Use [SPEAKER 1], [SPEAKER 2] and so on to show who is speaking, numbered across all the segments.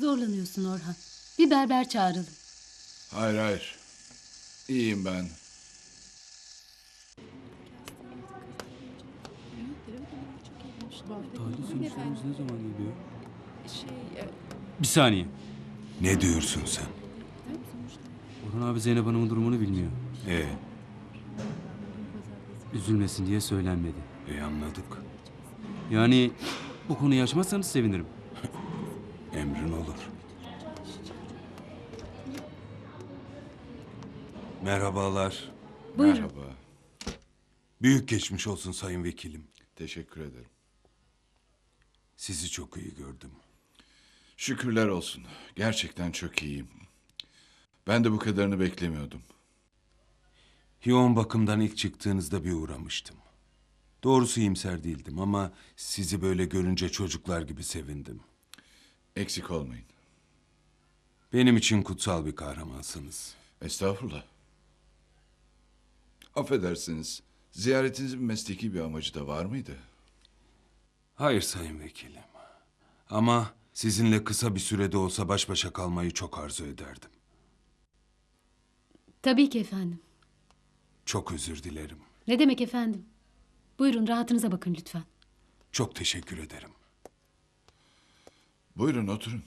[SPEAKER 1] Zorlanıyorsun Orhan. Bir berber çağıralım.
[SPEAKER 2] Hayır hayır. İyiyim ben.
[SPEAKER 3] Tahlil sonuçlarımız ne zaman geliyor? Bir saniye.
[SPEAKER 4] Ne diyorsun sen?
[SPEAKER 3] Orhan abi Zeynep Hanım'ın durumunu bilmiyor.
[SPEAKER 4] E,
[SPEAKER 3] Üzülmesin diye söylenmedi.
[SPEAKER 4] anladık.
[SPEAKER 3] Yani bu konuyu açmazsanız sevinirim.
[SPEAKER 4] Emrin olur. Merhabalar.
[SPEAKER 1] Buyurun.
[SPEAKER 2] Merhaba.
[SPEAKER 4] Büyük geçmiş olsun sayın vekilim.
[SPEAKER 2] Teşekkür ederim.
[SPEAKER 4] Sizi çok iyi gördüm.
[SPEAKER 2] Şükürler olsun. Gerçekten çok iyiyim. Ben de bu kadarını beklemiyordum.
[SPEAKER 4] Yoğun bakımdan ilk çıktığınızda bir uğramıştım. Doğrusu iyimser değildim ama sizi böyle görünce çocuklar gibi sevindim.
[SPEAKER 2] Eksik olmayın.
[SPEAKER 4] Benim için kutsal bir kahramansınız.
[SPEAKER 2] Estağfurullah. Affedersiniz. Ziyaretinizin mesleki bir amacı da var mıydı?
[SPEAKER 4] Hayır sayın vekilim. Ama sizinle kısa bir sürede olsa baş başa kalmayı çok arzu ederdim.
[SPEAKER 1] Tabii ki efendim.
[SPEAKER 4] Çok özür dilerim.
[SPEAKER 1] Ne demek efendim? Buyurun rahatınıza bakın lütfen.
[SPEAKER 4] Çok teşekkür ederim.
[SPEAKER 2] Buyurun oturun.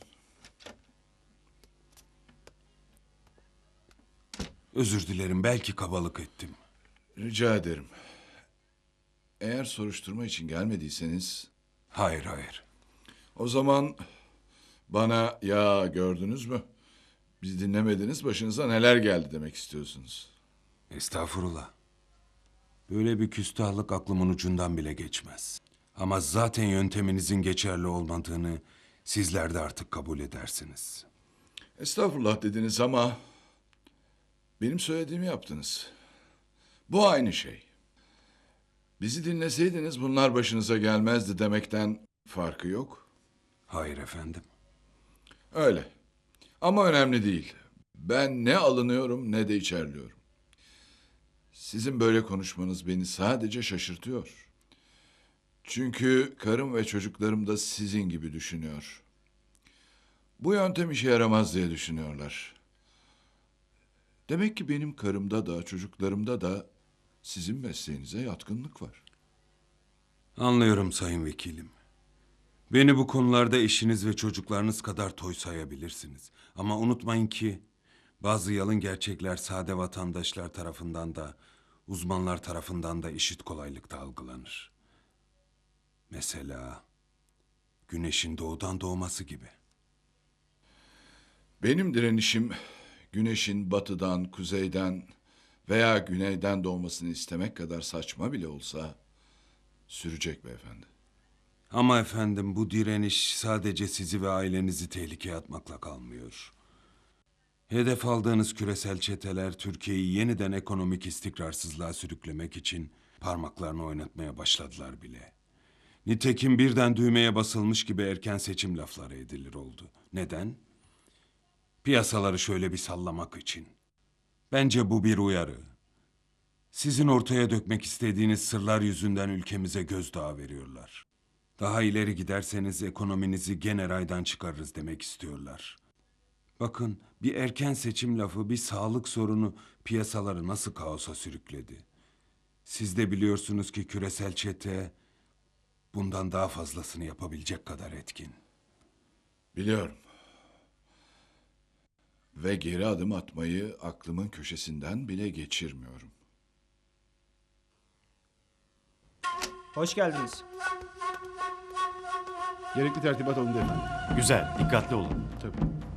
[SPEAKER 4] Özür dilerim, belki kabalık ettim.
[SPEAKER 2] Rica ederim. Eğer soruşturma için gelmediyseniz
[SPEAKER 4] Hayır, hayır.
[SPEAKER 2] o zaman bana ya gördünüz mü? Bizi dinlemediniz, başınıza neler geldi demek istiyorsunuz.
[SPEAKER 4] Estağfurullah. Böyle bir küstahlık aklımın ucundan bile geçmez. Ama zaten yönteminizin geçerli olmadığını sizler de artık kabul edersiniz.
[SPEAKER 2] Estağfurullah dediniz ama benim söylediğimi yaptınız. Bu aynı şey. Bizi dinleseydiniz bunlar başınıza gelmezdi demekten farkı yok.
[SPEAKER 4] Hayır efendim.
[SPEAKER 2] Öyle. Ama önemli değil. Ben ne alınıyorum ne de içerliyorum. Sizin böyle konuşmanız beni sadece şaşırtıyor. Çünkü karım ve çocuklarım da sizin gibi düşünüyor. Bu yöntem işe yaramaz diye düşünüyorlar. Demek ki benim karımda da çocuklarımda da sizin mesleğinize yatkınlık var.
[SPEAKER 4] Anlıyorum sayın vekilim. Beni bu konularda eşiniz ve çocuklarınız kadar toy sayabilirsiniz. Ama unutmayın ki bazı yalın gerçekler sade vatandaşlar tarafından da uzmanlar tarafından da eşit kolaylıkta algılanır. Mesela güneşin doğudan doğması gibi.
[SPEAKER 2] Benim direnişim güneşin batıdan, kuzeyden veya güneyden doğmasını istemek kadar saçma bile olsa sürecek beyefendi.
[SPEAKER 4] Ama efendim bu direniş sadece sizi ve ailenizi tehlikeye atmakla kalmıyor. Hedef aldığınız küresel çeteler Türkiye'yi yeniden ekonomik istikrarsızlığa sürüklemek için parmaklarını oynatmaya başladılar bile. Nitekim birden düğmeye basılmış gibi erken seçim lafları edilir oldu. Neden? Piyasaları şöyle bir sallamak için. Bence bu bir uyarı. Sizin ortaya dökmek istediğiniz sırlar yüzünden ülkemize gözdağı veriyorlar. Daha ileri giderseniz ekonominizi gene raydan çıkarırız demek istiyorlar. Bakın bir erken seçim lafı bir sağlık sorunu piyasaları nasıl kaosa sürükledi. Siz de biliyorsunuz ki küresel çete bundan daha fazlasını yapabilecek kadar etkin.
[SPEAKER 2] Biliyorum. Ve geri adım atmayı aklımın köşesinden bile geçirmiyorum.
[SPEAKER 5] Hoş geldiniz.
[SPEAKER 6] Gerekli tertibat alındı efendim.
[SPEAKER 7] Güzel, dikkatli olun.
[SPEAKER 6] Tabii.